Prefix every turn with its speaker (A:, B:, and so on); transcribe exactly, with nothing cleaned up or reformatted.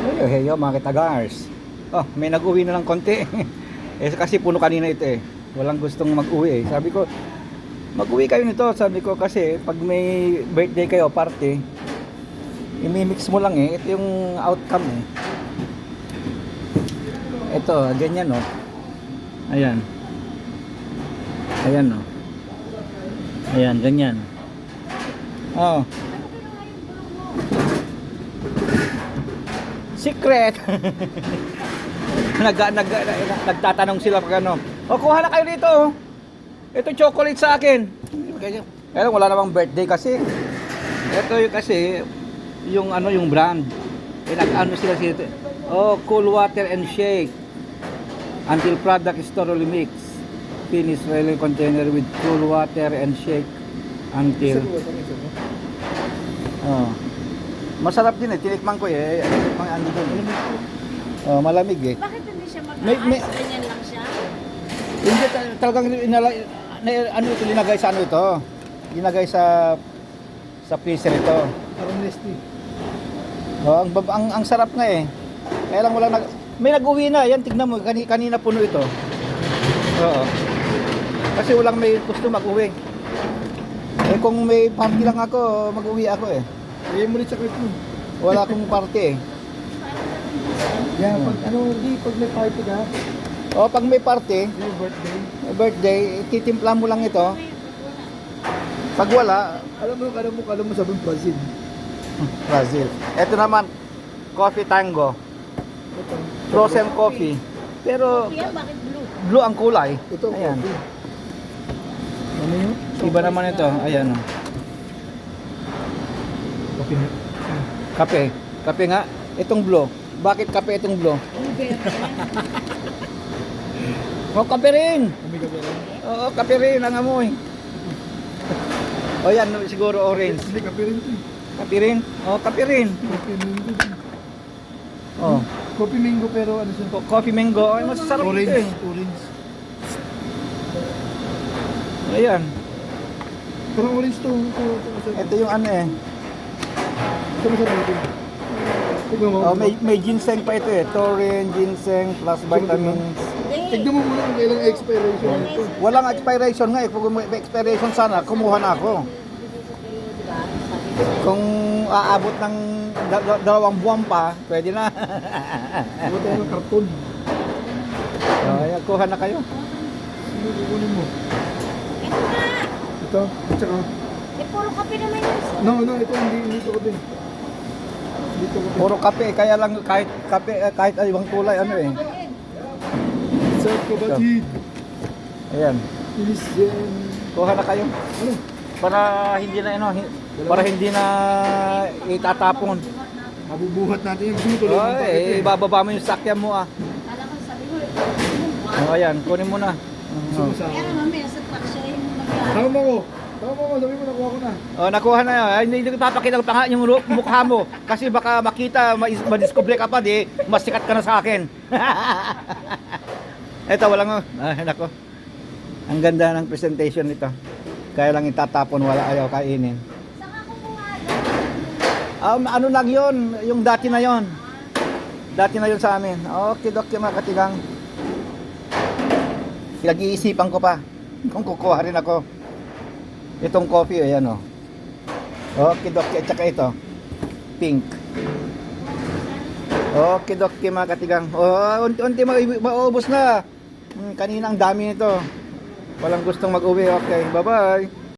A: Heyo, heyo mga kitagars. Oh, may nag-uwi na ng konti. Eh kasi puno kanina ito eh. Walang gustong mag-uwi eh. Sabi ko, mag-uwi kayo nito. Sabi ko kasi pag may birthday kayo, party, imimix mo lang eh. Ito yung outcome eh. Ito, ganyan oh. Ayan. Ayan oh. Ayan, ganyan. Oh. Secret. nag, nag, nag, nagtatanong sila pag ano. O kuha na kayo dito. Oh. Ito chocolate sa akin. Kaya wala namang birthday kasi. Ito yung kasi yung ano yung brand. Eh nag-ano sila sila. Oh, cool water and shake. Until product is thoroughly mixed. Finish railing container with cool water and shake until. Oh. Masarap din eh, tinikman ko eh. Tinikman andi doon. Oh, malamig eh.
B: Bakit hindi siya mag-ice?
A: May- may-
B: Ganyan lang siya?
A: Hindi ta- talagang inala, na, ano ito linagay sa ano ito? Linagay sa sa freezer ito.
C: Parang nesty.
A: Oh, ang, bab- ang ang sarap nga eh. Kaya lang wala nag may nag-uwi na. Yan tignan mo, kanina, kanina puno ito. Oo. Kasi walang may gusto mag-uwi. Eh kung may party lang ako, mag-uwi ako eh.
C: Bigay mo rin sa clip mo.
A: Wala akong party eh.
C: Yan, pag ano, hindi, pag may party ka,
A: O pag may party,
C: may birthday.
A: may birthday, titimpla mo lang ito. Pag wala,
C: Alam mo, alam mo, alam mo sabihin Brazil.
A: Brazil. Ito naman, coffee tango.
C: Ito.
A: Frozen coffee. Pero
B: Kuya, bakit blue?
A: blue ang kulay.
C: Ito,
A: Ayan.
C: coffee. Ano yun?
A: Iba naman ito. Ayan. oh.
C: Coffee na.
A: Kape. Kape nga. Itong blue. Bakit kape itong blue? O, kape rin.
C: Kami ka pera.
A: Oo, kape rin ang amoy. O yan, siguro orange.
C: Hindi, kape rin ito eh.
A: Kape rin. O, kape rin.
C: Coffee mango.
A: O,
C: Coffee mango pero ano siya?
A: co- coffee mango. Ay, masarap ito
C: Orange.
A: eh.
C: Orange.
A: Ayan.
C: Parang orange to. Ito, ito, ito.
A: Ito yung ano eh.
C: Ito masarap ito. Tignan mo.
A: Oh, may, may ginseng pa ito eh. Taurine, ginseng, plus vitamins.
B: Hindi.
C: Tignan mo muna kung kailang expiration nito.
A: Walang expiration nga eh. Kung may expiration sana, kumuha na ako. Kung aabot ng da- da- dalawang buwan pa, pwede na.
C: Ano tayo ng karton?
A: Oh, ayan, kuha na kayo.
C: Ano kukunin mo?
B: Ito nga.
C: Ito. At saka.
B: Eh, puro kape naman yun.
C: No, no, ito hindi hindi to din. Dito ko.
A: Puro kape, kaya lang kahit kape, eh, kahit ay ibang kulay, ano eh.
C: Sa kabatid.
A: Ayan,
C: Ilis yan.
A: kuha na kayo.
C: Ano?
A: Para hindi na, ano, hi- para hindi na itatapon.
C: Mabubuhat natin yung dito.
A: Oh, eh, ibababa mo yung sakyan mo ah.
B: Kala ko sabi ko, eh,
A: Oh, ayan, kunin mo na.
C: Gusto mo sa
B: kaya
C: akin.
B: naman may sa truck siya yung mag-
C: Tama ko. Tama ko. Sabi mo nakuha ko na.
A: Oh, nakuha na yun. Ay, hindi ko papakita pa nga yung ru- mukha mo. Kasi baka makita, ma- madiscover ka pa, di, mas sikat ka na sa akin. Ito, walang, ah, nako. Ang ganda ng presentation nito. Kaya lang itatapon, wala ayaw kainin.
B: Saka kumuha
A: Um, ano lang yun, yung dati na yon. Dati na yun sa amin. Okay, okay mga katigang. Pinag-iisipan ko pa kung kukuha rin ako. Itong coffee, ayan o. Okay, okay. At saka ito, pink. Okay, okay mga katigang. Oh, unti-unti ma- maubos na. Hmm, kanina ang dami nito. Walang gustong mag-uwi. Okay, bye-bye.